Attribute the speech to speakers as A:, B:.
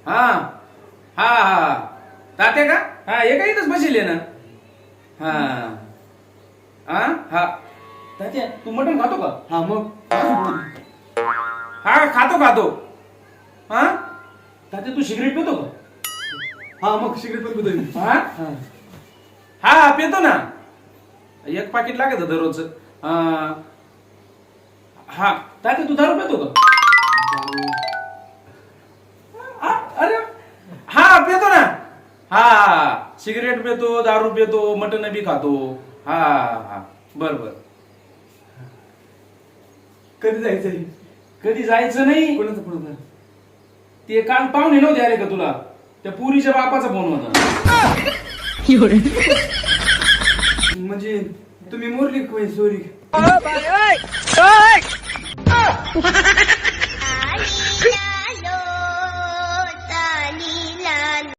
A: हा हा हा तात्या का? हा एका इथंच बसेल ना. हा हा हा तात्या तू मटण खातो का?
B: हा मग
A: हा खातो खातो. हा तात्या तू सिगरेट पितो का?
B: हा मग सिगरेट पण पितो.
A: हा हा पितो ना. एक पाकिट लागत दररोज. हा तात्या तू दारू पितो का? अरे हा पितो ना. हा सिगरेट पितो, दारू पितो, मटण बी खातो. हा हा बर बर.
B: कधी जायचंय?
A: कधी जायचं नाही.
B: कोणाचं?
A: ते काल पाहुणे नव्हते आले का तुला? त्या पुरीच्या बापाचा फोन होता.
B: म्हणजे तुम्ही मोरली सॉरी.